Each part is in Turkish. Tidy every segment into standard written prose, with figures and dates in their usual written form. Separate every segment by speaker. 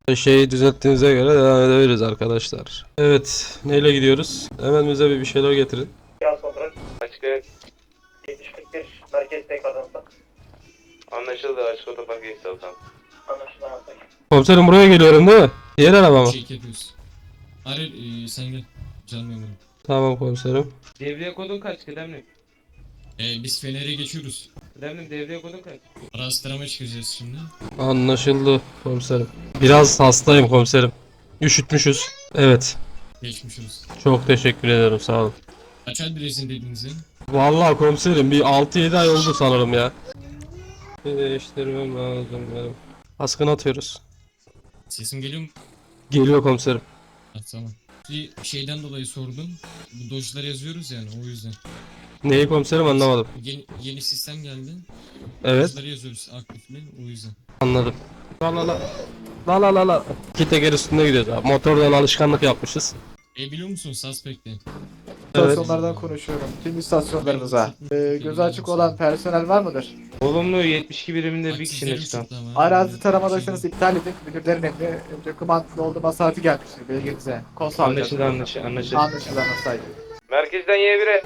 Speaker 1: Şeyi düzelttiğinize göre devam edebiliriz arkadaşlar. Evet, neyle gidiyoruz? Hemen bize bir şeyler getirin.
Speaker 2: Yaz kontrol. Açık evet. 70-41 merkez tekrardansa.
Speaker 3: Anlaşıldı. Açık otopark geçti altan.
Speaker 2: Anlaşılan alsak.
Speaker 1: Komiserim buraya geliyorum değil mi? Diğer araba mı?
Speaker 4: Check yapıyoruz. Hayır, sen gel. Canım memurum.
Speaker 1: Tamam komiserim.
Speaker 3: Devreye kodun kaç kıdemli?
Speaker 4: Biz Fener'e geçiyoruz.
Speaker 3: Kıdemli devreye kodun kaç?
Speaker 4: Araştırma çıkacağız şimdi.
Speaker 1: Anlaşıldı komiserim. Biraz hastayım komiserim. Üşütmüşüz. Evet.
Speaker 4: Geçmiş olsun.
Speaker 1: Çok teşekkür ederim, sağ olun.
Speaker 4: Kaç ay bilesin dediğinizi?
Speaker 1: Vallahi komiserim bir 6-7 ay oldu sanırım ya. Bir değiştirmem lazım benim. Askını atıyoruz.
Speaker 4: Sesim geliyor mu?
Speaker 1: Geliyor komiserim.
Speaker 4: Ha, tamam. Bir şeyden dolayı sordum. Bu dojları yazıyoruz yani o yüzden.
Speaker 1: Neyi komiserim anlamadım.
Speaker 4: Yeni sistem geldi.
Speaker 1: Evet,
Speaker 4: Dojları yazıyoruz aktifli o yüzden.
Speaker 1: anladım. La la la. La la la la. İki teker üstünde gidiyoruz abi. Motordan alışkanlık yapmışız.
Speaker 4: Biliyor musun Suspect'te?
Speaker 5: İstasyonlardan konuşuyorum. Tüm istasyonlarınıza. Gözü açık olan personel var mıdır?
Speaker 3: Olumlu 72 biriminde bir kişinin
Speaker 4: Aksizlerim
Speaker 3: çıkan.
Speaker 4: çıktı ama.
Speaker 5: Arazi taramadaysanız iptal edin. Müdürlerin emri dokümantlı olduğuma saati gelmiştir bilginize. Konsol
Speaker 3: Anlaşıldı anlaşıldı.
Speaker 5: Anlaşıldı anlaşıldı.
Speaker 3: Merkezden Y1'e.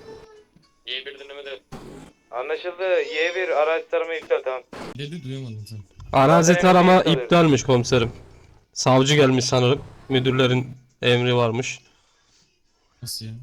Speaker 4: Y1 dinlemede.
Speaker 3: Anlaşıldı. Y1 araç tarama iptal tamam.
Speaker 4: Dedi duyamadım sen.
Speaker 1: Arazi
Speaker 3: Zaten
Speaker 1: tarama
Speaker 3: emniyet alıyor.
Speaker 1: iptalmiş komiserim. Savcı gelmiş sanırım. Müdürlerin emri varmış.
Speaker 4: Nasıl ya?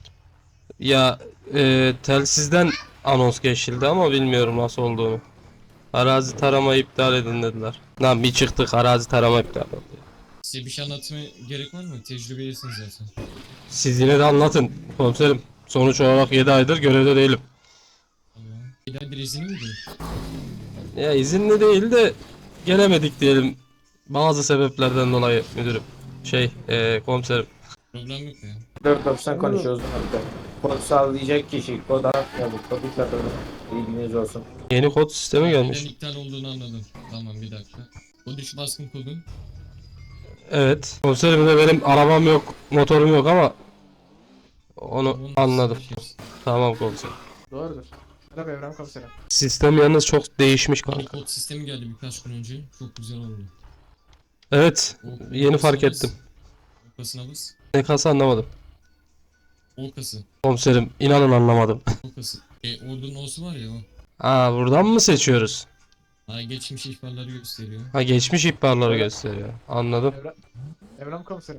Speaker 1: Ya telsizden anons geçildi ama bilmiyorum nasıl olduğunu. Arazi tarama iptal edin dediler. Lan bir çıktık arazi tarama iptal oldu.
Speaker 4: Size bir şey anlatmaya gerek var mı? Tecrübelisiniz zaten.
Speaker 1: Siz yine de anlatın komiserim. Sonuç olarak 7 aydır görevde değilim.
Speaker 4: Tamam. Bir izini mi değil?
Speaker 1: Ya izinli değil de gelemedik diyelim. Bazı sebeplerden dolayı müdürüm. Komiserim.
Speaker 4: Problem yok ya.
Speaker 6: 4.90 konuşuyoruz burada. Kod sağlayacak kişi kod atmıyorduk. Kodu çatırdı. İlginiz olsun.
Speaker 1: Yeni kod sistemi
Speaker 4: Neden
Speaker 1: gelmiş.
Speaker 4: iptal olduğunu anladım. Tamam bir dakika. O düş baskın kodu.
Speaker 1: Evet. Komiserim de benim arabam yok, motorum yok ama onu anladım. Tamam komiserim.
Speaker 5: Doğrudur. Merhaba Evren Komiserim.
Speaker 1: Sistem yalnız çok değişmiş
Speaker 4: Yeni
Speaker 1: kanka.
Speaker 4: kod sistemi geldi birkaç gün önce. Çok güzel oldu.
Speaker 1: Evet.
Speaker 4: O
Speaker 1: Yeni fark
Speaker 4: kasına bas.
Speaker 1: ettim.
Speaker 4: O kasına bas.
Speaker 1: Ne kasa anlamadım.
Speaker 4: O kası.
Speaker 1: Komiserim inanın anlamadım.
Speaker 4: O kası. Ordunun O'su var ya o.
Speaker 1: Aa buradan mı seçiyoruz?
Speaker 4: Ha, geçmiş ihbarları gösteriyor.
Speaker 1: Ha geçmiş ihbarları gösteriyor. Anladım.
Speaker 5: Evren Komiserim.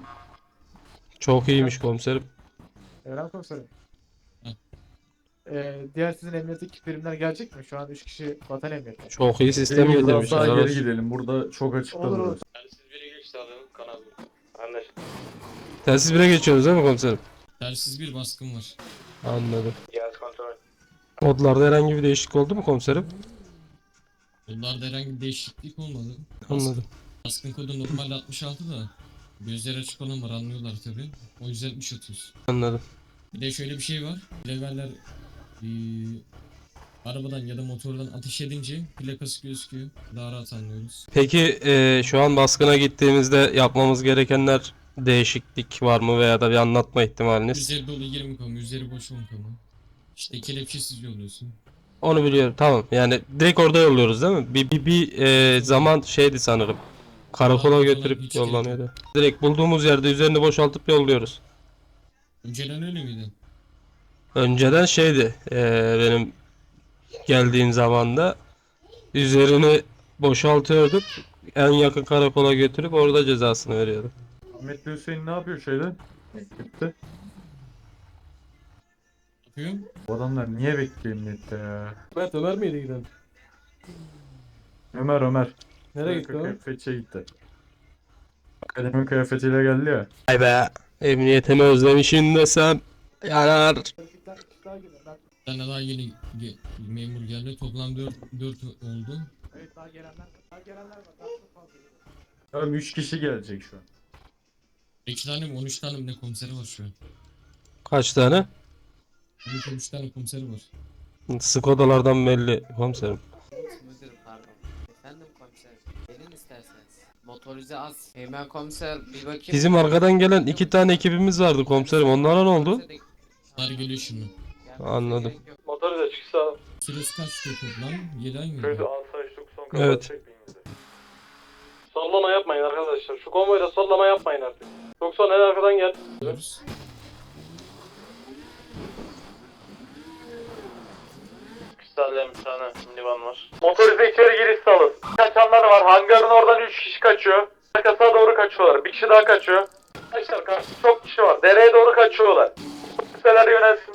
Speaker 1: Çok iyiymiş komiserim.
Speaker 5: Evren Komiserim.
Speaker 4: Hı.
Speaker 5: Diğer sizin emniyetteki birimler gelecek mi? Şu an 3 kişi vatan emniyeti.
Speaker 1: Çok iyi sistem
Speaker 7: Biraz
Speaker 1: getirmiş.
Speaker 7: daha
Speaker 1: helal
Speaker 7: geri
Speaker 1: olsun.
Speaker 7: gidelim. Burada çok açıkta
Speaker 5: Olur olur.
Speaker 7: duruyoruz.
Speaker 3: Telsiz 1'e geç sağlayalım kanal. Anlaşıldı.
Speaker 1: Telsiz 1'e geçiyoruz değil mi komiserim?
Speaker 4: Tersiz bir baskın var.
Speaker 1: Anladım.
Speaker 3: Yaz kontrol.
Speaker 1: Kodlarda herhangi bir değişiklik oldu mu komiserim?
Speaker 4: Bunlarda herhangi bir değişiklik olmadı.
Speaker 1: Anladım.
Speaker 4: Baskın kodu normalde 66 da. Gözleri açık olan var anlıyorlar tabi. O yüzden 60 atıyoruz.
Speaker 1: Anladım.
Speaker 4: Bir de şöyle bir şey var. Leveller arabadan ya da motordan ateş edince plakası gözüküyor. Daha rahat anlıyoruz.
Speaker 1: Peki şu an baskına gittiğimizde yapmamız gerekenler değişiklik var mı veya da bir anlatma ihtimaliniz?
Speaker 4: Üzeri dolu 20 kamu, üzeri boş 10 kamu. İşte kelepçesiz yolluyorsun.
Speaker 1: Onu biliyorum. Tamam. Yani direkt orada yolluyoruz değil mi? Bir zaman şeydi sanırım. Karakola
Speaker 4: Karakola
Speaker 1: götürüp
Speaker 4: hiç
Speaker 1: yollanıyordu. Direkt bulduğumuz yerde üzerini boşaltıp yolluyoruz.
Speaker 4: Önceden öyle miydi?
Speaker 1: Önceden şeydi benim geldiğim zamanda üzerini boşaltıyorduk. En yakın karakola götürüp orada cezasını veriyorduk.
Speaker 7: Ahmet Hüseyin ne yapıyor şeyde? Ekipte.
Speaker 4: Yapıyor.
Speaker 7: Bu adamlar niye bekliyor emniyette ya?
Speaker 8: Evet Ömer miydi giden?
Speaker 7: Ömer.
Speaker 8: Nereye gitti o?
Speaker 7: Kıyafetçiye gitti. Akademi kıyafetiyle geldi ya.
Speaker 1: Ay be. Emniyetimi özlemişim desem yanar.
Speaker 4: Bir tane daha yeni memur geldi. Toplam 4 oldu.
Speaker 5: Evet daha gelenler var. Daha çok fazla geliyor.
Speaker 7: Tamam 3 kişi gelecek şu an.
Speaker 4: 2 tane mi 13 tane mi ne komiseri var şu an.
Speaker 1: Kaç tane?
Speaker 4: 13 tane komiseri var.
Speaker 1: Skodalardan belli komiserim.
Speaker 9: Müdürüm pardon. Efendim komiser. Gelin isterseniz. Motorize az. Hemen komiser bir bakayım.
Speaker 1: Bizim arkadan gelen 2 tane ekibimiz vardı komiserim. Onlara ne oldu?
Speaker 4: Bunlar geliyor şimdi.
Speaker 1: Anladım.
Speaker 2: Motoru da çıksa.
Speaker 4: Süresi kaçtı toplam? 7 ay mı?
Speaker 2: Köyde asayiş 90
Speaker 1: Evet.
Speaker 8: Sollama yapmayın arkadaşlar. Şu konvoyda sollama yapmayın artık. Yoksa en arkadan gel.
Speaker 4: Diyoruz.
Speaker 2: Kısallayalım bir tane minivan var.
Speaker 8: Motorize içeri giriş salın. Kaçanlar var. Hangarın oradan 3 kişi kaçıyor. Arkasına doğru kaçıyorlar. Bir kişi daha kaçıyor. Arkadaşlar karşı çok kişi var. Dereye doğru kaçıyorlar. Kimseler yönelsin.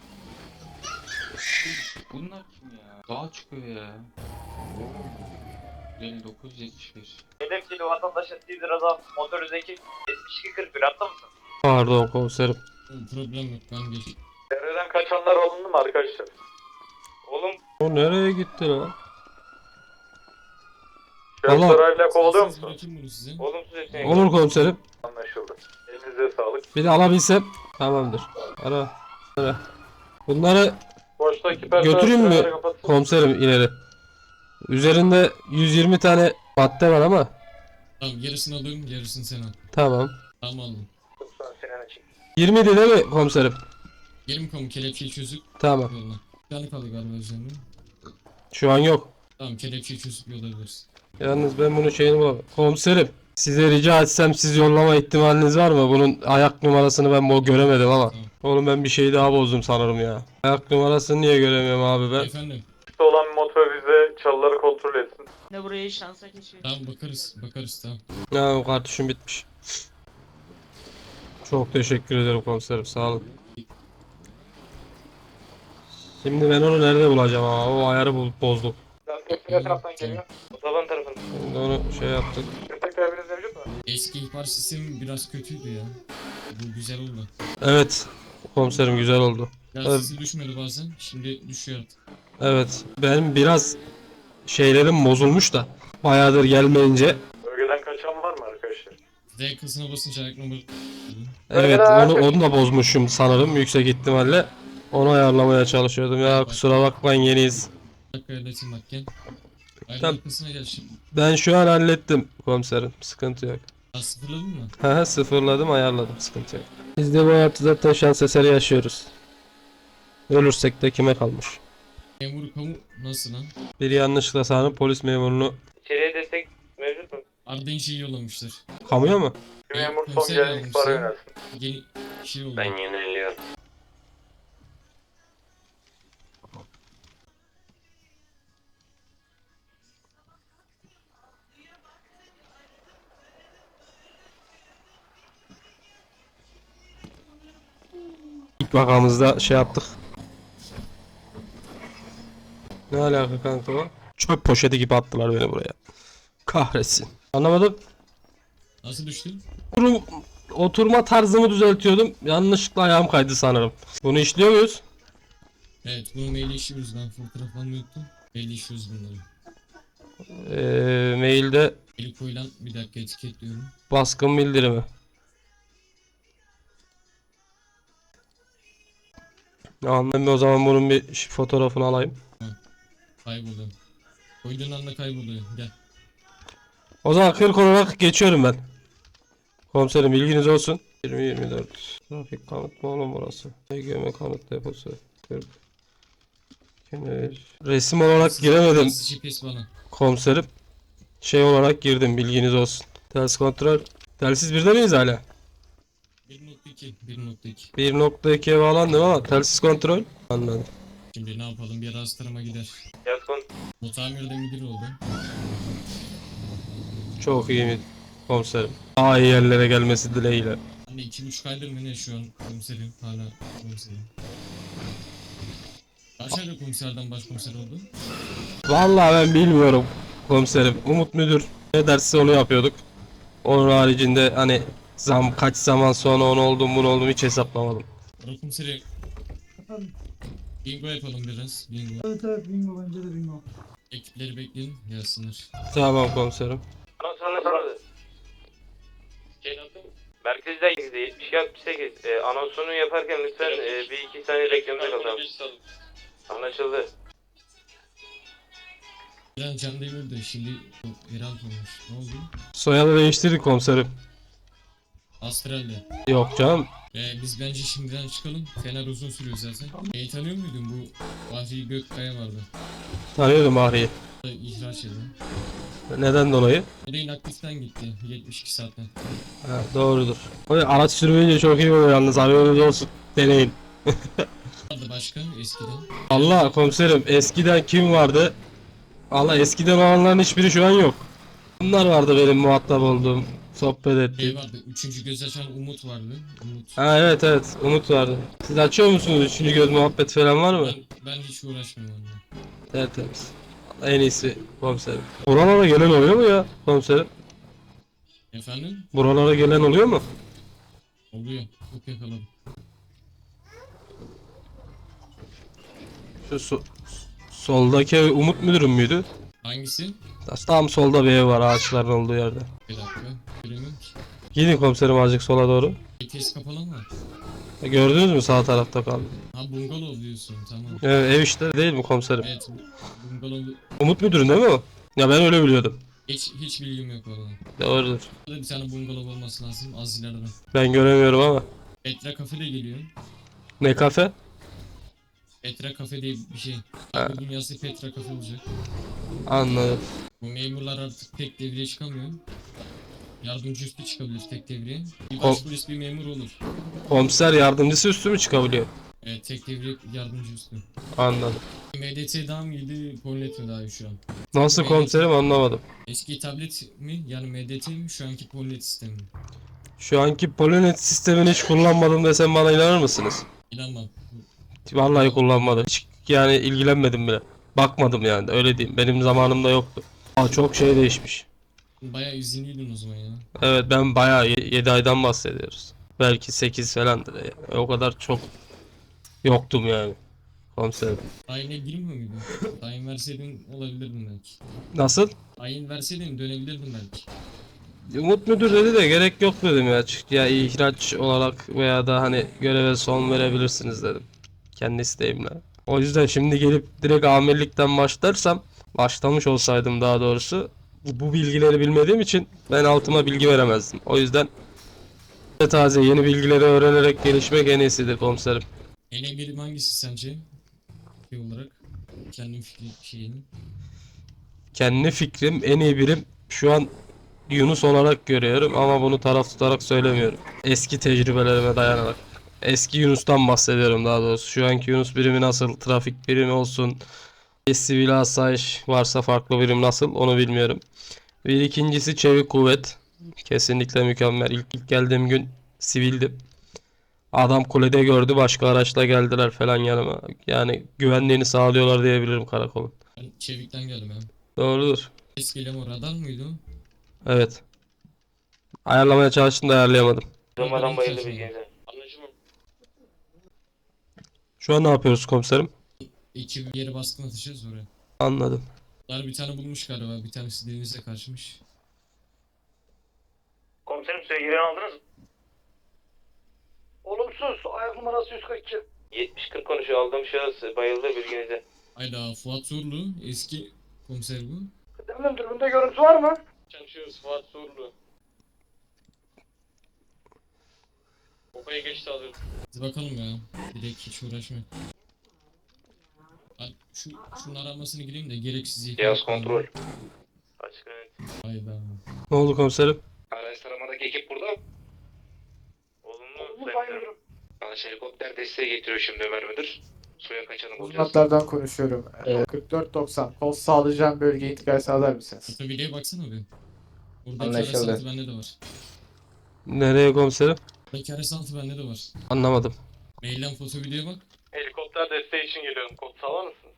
Speaker 10: Bunlar kim ya? Dağa çıkıyor ya. 59-71.
Speaker 2: Hedefçili vatandaşın Tizer Azam motorize ekip 7241 hatta mısın?
Speaker 1: Pardon komiserim.
Speaker 4: Problem yok ben geç.
Speaker 8: Dereden kaçanlar alındı mı arkadaşlar?
Speaker 3: Oğlum
Speaker 1: O nereye gitti lan?
Speaker 8: Şöyle
Speaker 1: Allah.
Speaker 8: sorayla kovalıyor
Speaker 4: Siz
Speaker 8: musun?
Speaker 4: bırakayım bunu size.
Speaker 3: olumsuz yetenek.
Speaker 1: Olur komiserim.
Speaker 8: Anlaşıldı. Elinize sağlık.
Speaker 1: Bir de alabilsem. Tamamdır. Ara. Bunları
Speaker 8: Boştaki personel
Speaker 1: götüreyim mi
Speaker 8: sırayla kapatsın.
Speaker 1: komiserim ileri? Üzerinde 120 tane madde var ama.
Speaker 4: Tamam yarısını alıyorum yarısını sen al.
Speaker 1: Tamam.
Speaker 4: Tamam aldım.
Speaker 8: Lütfen Sinan'a çek.
Speaker 1: 20 değil mi komiserim?
Speaker 4: Gelin kamu kelepçeyi çözüp
Speaker 1: Tamam.
Speaker 4: yolla. Bir tane kaldı galiba üzerinde.
Speaker 1: Şu an yok.
Speaker 4: Tamam kelepçeyi çözüp yollayabiliriz.
Speaker 1: Yalnız ben bunun şeyini bulamam. Komiserim, size rica etsem siz yollama ihtimaliniz var mı? Bunun ayak numarasını ben göremedim ama.
Speaker 4: Tamam.
Speaker 1: Oğlum ben bir şey daha bozdum sanırım ya. Ayak numarasını niye göremiyorum abi ben?
Speaker 4: Efendim.
Speaker 8: olan motorize çalıları kontrol etsin.
Speaker 11: Ne burayı şansa geçiyor.
Speaker 4: Tamam bakarız tamam.
Speaker 1: Ya kartuşum bitmiş. Çok teşekkür ederim komiserim, sağ olun. Şimdi ben onu nerede bulacağım ama o ayarı bozduk.
Speaker 8: Ne taraftan geliyor?
Speaker 3: Otoban tarafında.
Speaker 1: Şimdi onu şey yaptık.
Speaker 8: Destek vermeniz mevcut mu?
Speaker 4: Eski ihbar sistemi biraz kötüydü ya. Bu güzel oldu.
Speaker 1: Evet komiserim, güzel oldu.
Speaker 4: Biraz
Speaker 1: Evet.
Speaker 4: sesi düşmüyordu bazen. Şimdi düşüyor artık.
Speaker 1: Evet, benim biraz şeylerim bozulmuş da bayağıdır gelmeyince.
Speaker 8: Bölgeden kaçan var mı arkadaşlar?
Speaker 4: D kasına basınca ayak numara...
Speaker 1: Evet, onu da bozmuşum sanırım yüksek ihtimalle. Onu ayarlamaya çalışıyordum ya, kusura bakmayın, yeniyiz.
Speaker 4: Bir dakika halleteyim bak gel. Ayak
Speaker 1: Tamam.
Speaker 4: arkasına gel şimdi.
Speaker 1: Ben şu an hallettim komiserim, sıkıntı yok.
Speaker 4: Daha sıfırladın mı?
Speaker 1: Haha, sıfırladım, ayarladım, sıkıntı yok. Biz de bu hayatta zaten şans eseri yaşıyoruz. Ölürsek de kime kalmış?
Speaker 4: Memur kamu nasıl lan?
Speaker 1: Bir yanlışlıkla sanırım polis memurunu
Speaker 3: İçeriye destek mevcut mu?
Speaker 4: Arden şeyi yollamışlar.
Speaker 1: kamuya mı?
Speaker 8: Memur son
Speaker 4: komiser
Speaker 8: gelen
Speaker 4: yardımcısı.
Speaker 8: ihbara yönelsin.
Speaker 4: Yeni şey oldu.
Speaker 3: yöneliyorum.
Speaker 1: İlk vakamızda şey yaptık. Ne alaka kanka o? Çöp poşeti gibi attılar beni buraya. Kahretsin. Anlamadım.
Speaker 4: Nasıl düştün?
Speaker 1: Oturma tarzımı düzeltiyordum. Yanlışlıkla ayağım kaydı sanırım. Bunu işliyor muyuz?
Speaker 4: Evet bunu mail işliyoruz ben fotoğraflarını unuttum. Mail işliyoruz bunları.
Speaker 1: Mailde
Speaker 4: Eli koyulan bir dakika etiketliyorum.
Speaker 1: baskın bildirimi. Anladım, o zaman bunun bir fotoğrafını alayım.
Speaker 4: Kayboldu. Koyduğun anda kayboluyor. Gel.
Speaker 1: O zaman 40 olarak geçiyorum ben. Komiserim bilginiz olsun. 20-24. Trafik kanıt mı oğlum burası? EGM kanıt deposu. 40. Kenar. Resim olarak giremedim
Speaker 4: GPS bana.
Speaker 1: komiserim. Şey olarak girdim, bilginiz olsun. Ters kontrol. Telsiz birde miyiz hala?
Speaker 4: 1.2 1.2.
Speaker 1: 1.2'ye bağlandım ama telsiz kontrol. Anladım.
Speaker 4: Şimdi ne yapalım bir arazi tarama gider.
Speaker 3: Yaz kon.
Speaker 4: O tamirde müdür oldu.
Speaker 1: Çok iyi mi komiserim? Daha iyi yerlere gelmesi dileğiyle.
Speaker 4: Anne 2,5 aydır mı ne şu an komiserim hala komiserim. Kaç ayda komiserden başkomiser oldu?
Speaker 1: Vallahi ben bilmiyorum komiserim. Umut müdür ne derse onu yapıyorduk. Onun haricinde hani kaç zaman sonra onu oldum bunu oldum hiç hesaplamadım.
Speaker 4: Ara komiseri. Bingo yapalım biraz. Bingo.
Speaker 11: Evet bingo bence de bingo.
Speaker 4: Ekipleri bekleyin gelsinler.
Speaker 1: Tamam komiserim.
Speaker 3: Anonsunu sordu. Merkezde 72-68. Anonsunu yaparken lütfen bir iki saniye beklemede kalalım. Anlaşıldı.
Speaker 4: Biraz Can Demir de şimdi Herald olmuş. Ne oldu?
Speaker 1: Soyadı değiştirdik komiserim.
Speaker 4: Astral'de.
Speaker 1: Yok canım.
Speaker 4: Biz bence şimdiden çıkalım. Fener uzun sürüyor zaten. Tanıyor muydun bu Bahri Gökkaya vardı?
Speaker 1: Tanıyordum Bahri'yi.
Speaker 4: İhraç edin.
Speaker 1: Neden dolayı?
Speaker 4: Nereyin aktiften gitti 72 saatten.
Speaker 1: Ha, doğrudur. Araç sürmeyince çok iyi oluyor yalnız, haberiniz olsun. Deneyin.
Speaker 4: Vardı başka eskiden.
Speaker 1: Allah komiserim, eskiden kim vardı? Allah, eskiden olanların hiçbiri şu an yok. Bunlar vardı benim muhatap olduğum, sohbet ettiğim.
Speaker 4: Şey vardı, 3. göz açan Umut vardı. Umut.
Speaker 1: Ha, evet Umut vardı. Siz açıyor musunuz? Üçüncü göz muhabbet falan var mı?
Speaker 4: Ben hiç uğraşmıyorum onunla.
Speaker 1: Tertemiz. En iyisi komiserim. Buralara gelen oluyor mu ya komiserim?
Speaker 4: Efendim?
Speaker 1: Buralara gelen oluyor mu?
Speaker 4: Oluyor. Çok yakaladım.
Speaker 1: Şu soldaki ev Umut müdürüm müydü?
Speaker 4: Hangisi?
Speaker 1: Tam solda bir ev var, ağaçların olduğu yerde.
Speaker 4: Bir dakika. Göremiyorum ki.
Speaker 1: Gidin komiserim azıcık sola doğru.
Speaker 4: Vites kapalı mı?
Speaker 1: Gördünüz mü sağ tarafta kaldı.
Speaker 4: Ha bungalov diyorsun, tamam.
Speaker 1: Evet, ev işte değil mi komiserim?
Speaker 4: Evet, bungalov.
Speaker 1: Umut müdürün değil mi o? Ya ben öyle biliyordum.
Speaker 4: Hiç bilgim yok valla.
Speaker 1: Doğrudur.
Speaker 4: Burada bir tane bungalov olması lazım, az ileride.
Speaker 1: Ben göremiyorum ama.
Speaker 4: Petra Cafe de geliyor.
Speaker 1: Ne kafe?
Speaker 4: Petra Cafe diye bir şey.
Speaker 1: Ha.
Speaker 4: Bugün yazı Petra Cafe olacak.
Speaker 1: Anladım.
Speaker 4: Bu memurlar artık tek devreye çıkamıyor. Yardımcı üstü çıkabilir tek devreye. Bir
Speaker 1: Kom-
Speaker 4: başpolis bir memur olur.
Speaker 1: Komiser yardımcısı üstü mü çıkabiliyor?
Speaker 4: Evet, tek devre yardımcı üstü.
Speaker 1: Anladım.
Speaker 4: MDT daha mı iyiydi, Polnet mi daha iyi şu an?
Speaker 1: Nasıl komiserim anlamadım.
Speaker 4: Eski tablet mi, yani MDT mi, şu anki Polnet sistemi mi?
Speaker 1: Şu anki Polonet sistemini hiç kullanmadım desem bana inanır mısınız?
Speaker 4: İnanmam.
Speaker 1: Vallahi kullanmadım. Hiç yani ilgilenmedim bile. Bakmadım yani, öyle diyeyim. Benim zamanımda yoktu. Aa, çok şey değişmiş.
Speaker 4: Bayağı izinliydin o zaman ya.
Speaker 1: Evet, ben bayağı 7 aydan bahsediyoruz. Belki 8 falandır yani. O kadar çok yoktum yani. Komiserim.
Speaker 4: Ayine girmiyor muydun? Tayin verseydin olabilirdin belki.
Speaker 1: Nasıl?
Speaker 4: Tayin verseydin dönebilirdin belki.
Speaker 1: Umut müdür dedi de gerek yok dedim ya. Ya ihraç olarak veya da hani göreve son verebilirsiniz dedim. Kendi isteğimle. O yüzden şimdi gelip direkt amirlikten başlamış olsaydım daha doğrusu, bu bilgileri bilmediğim için ben altıma bilgi veremezdim. O yüzden taze yeni bilgileri öğrenerek gelişmek en iyisidir komiserim.
Speaker 4: En iyi birim hangisi sence? Şey olarak. Kendim fikri şeyini.
Speaker 1: Kendi fikrim, en iyi birim şu an Yunus olarak görüyorum ama bunu taraf tutarak söylemiyorum. Eski tecrübelerime dayanarak. Eski Yunus'tan bahsediyorum daha doğrusu. Şu anki Yunus birimi nasıl, trafik birimi olsun, sivil asayiş varsa farklı birim nasıl onu bilmiyorum. Bir ikincisi çevik kuvvet. Kesinlikle mükemmel. İlk geldiğim gün sivildim. Adam kulede gördü, başka araçla geldiler falan yanıma. Yani güvenliğini sağlıyorlar diyebilirim karakolun.
Speaker 4: Ben Çevik'ten geldim ya.
Speaker 1: Doğrudur.
Speaker 4: Eskiyle o radar mıydı o?
Speaker 1: Evet. Ayarlamaya çalıştım da ayarlayamadım.
Speaker 3: Durmadan bayıldı bilginize.
Speaker 4: Anlaşılmıyor.
Speaker 1: Şu an ne yapıyoruz komiserim?
Speaker 4: İki yere baskın atacağız oraya.
Speaker 1: Anladım.
Speaker 4: Bunlar bir tane bulmuş galiba. Bir tanesi denize kaçmış.
Speaker 2: Komiserim sevgilerini aldınız mı? Olumsuz. Ayak numarası 142.
Speaker 3: 70-40 konuşuyor. Aldığım şahıs bayıldı bilginize.
Speaker 4: Hayda, Fuat Zorlu. Eski komiser bu.
Speaker 2: Kıdemli dürbünde görüntü var mı?
Speaker 8: Çalışıyoruz Fuat Zorlu. Kopaya geçti alıyoruz.
Speaker 4: Hadi bakalım ya. Direkt hiç uğraşma. Ben şunun aramasını gireyim de gereksiz ihmal.
Speaker 3: Cihaz kontrol. Açık net.
Speaker 4: Hayda.
Speaker 1: Ne oldu komiserim?
Speaker 3: Araç taramadaki ekip burada. Olumlu sayın müdürüm. Araç helikopter desteği getiriyor şimdi Ömer müdür. Suya kaçanı bulacağız.
Speaker 5: Uzmanlardan konuşuyorum. 4490. Kol sağlayacağım bölgeye intikal sağlar mısınız?
Speaker 4: Fotoğrafıya baksana bir. Buradaki
Speaker 6: Anlaşıldı.
Speaker 4: arasantı bende de var.
Speaker 1: Nereye komiserim?
Speaker 4: Buradaki arasantı bende de var.
Speaker 1: Anlamadım.
Speaker 4: Mailden foto videoya bak.
Speaker 8: Helikopter desteği için geliyorum. Kod sağlar mısınız?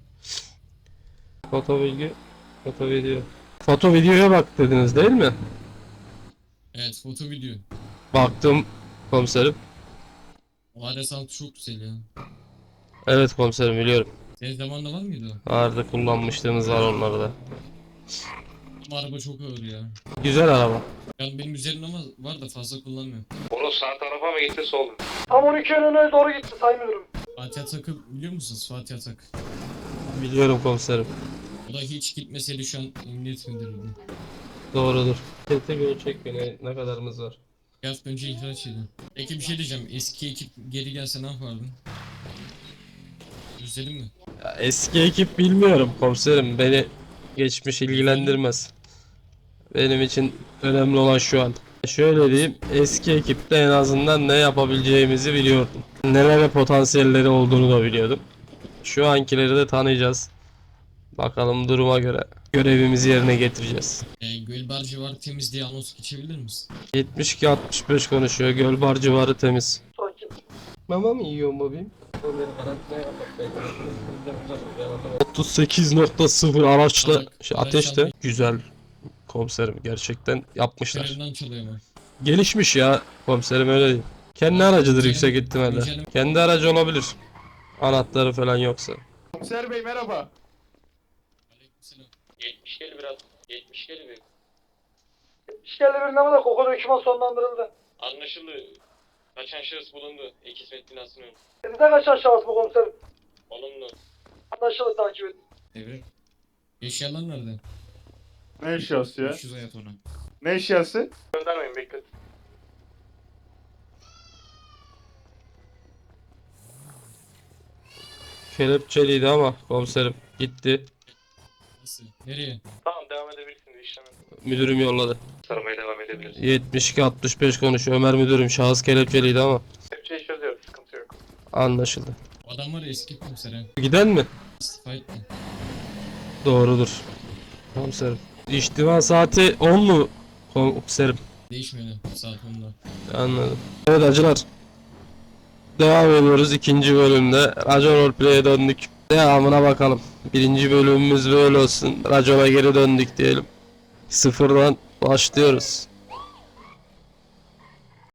Speaker 1: Foto bilgi, foto video. Foto videoya bak dediniz değil mi?
Speaker 4: Evet, foto video.
Speaker 1: Baktım komiserim.
Speaker 4: O arasantı çok güzel ya.
Speaker 1: Evet komiserim, biliyorum.
Speaker 4: Senin zamanında var mıydı o?
Speaker 1: Vardı, kullanmışlığımız var onları da.
Speaker 4: Ama araba çok ağır ya.
Speaker 1: Güzel araba.
Speaker 4: Yani benim üzerimde ama var da fazla kullanmıyorum.
Speaker 3: Onu sağ tarafa mı gitti sol mu?
Speaker 2: Tam 12 önüne doğru gitti sayın müdürüm.
Speaker 4: Fatih Atak'ı biliyor musunuz? Fatih Atak.
Speaker 1: Biliyorum komiserim.
Speaker 4: O da hiç gitmeseydi şu an emniyet müdürüydü.
Speaker 1: Doğrudur. Tete göre çek beni, ne kadarımız var?
Speaker 4: Bir hafta önce ihraç edin. Peki bir şey diyeceğim. Eski ekip geri gelse ne yapardın? Özledin mi?
Speaker 1: Ya, eski ekip bilmiyorum komiserim. Beni Geçmiş ilgilendirmez. Benim için önemli olan şu an. Şöyle diyeyim, eski ekipte en azından ne yapabileceğimizi biliyordum. Nelere potansiyelleri olduğunu da biliyordum. Şu ankileri de tanıyacağız. Bakalım duruma göre görevimizi yerine getireceğiz.
Speaker 4: Gölbar civarı temiz diye anons geçebilir misin?
Speaker 1: 72-65 konuşuyor. Gölbar civarı temiz. Mama mı yiyorsun bebeğim? 38.0 araçla ateş de güzel komiserim, gerçekten yapmışlar.
Speaker 4: Görevden çalıyor mu?
Speaker 1: Gelişmiş ya komiserim, öyle değil. Kendi aracıdır yüksek ihtimalle.
Speaker 4: Güncelleme-
Speaker 1: Kendi aracı olabilir. Anahtarı falan yoksa.
Speaker 5: Komiser bey merhaba.
Speaker 4: Aleykümselam.
Speaker 3: 70 gel biraz. 70 gel bir.
Speaker 8: İşgalli bir namada koku döküman sonlandırıldı.
Speaker 3: Anlaşıldı. Kaçan şahıs bulundu. Ek hizmet binasının önünde.
Speaker 8: Sizden kaçan şahıs bu komiserim.
Speaker 3: Olumlu.
Speaker 8: Anlaşıldı, takip edin.
Speaker 4: Devre. Eşyalar nerede?
Speaker 5: Ne eşyası ya?
Speaker 4: 500 hayat ona.
Speaker 5: Ne eşyası?
Speaker 8: Göndermeyin, bekletin.
Speaker 1: Kelepçeliydi ama komiserim gitti.
Speaker 4: Nasıl? Nereye?
Speaker 3: Tamam, devam edebilirsiniz işleme.
Speaker 1: Müdürüm yolladı.
Speaker 3: Saramaya devam edebiliriz.
Speaker 1: 72-65 konuşuyor. Ömer müdürüm, şahıs kelepçeliydi ama
Speaker 8: Hepçeyi çözüyoruz, sıkıntı yok.
Speaker 1: anlaşıldı.
Speaker 4: O adam var ya eski komiser ha.
Speaker 1: Giden mi?
Speaker 4: İstifa etti.
Speaker 1: Doğrudur. Komiserim. İçtima saati 10 mu komiserim?
Speaker 4: Değişmiyor saat 10'da.
Speaker 1: Anladım. Evet acılar. Devam ediyoruz ikinci bölümde. Racon Roleplay'e döndük. Devamına bakalım. Birinci bölümümüz böyle olsun. Racon'a geri döndük diyelim. Sıfırdan başlıyoruz.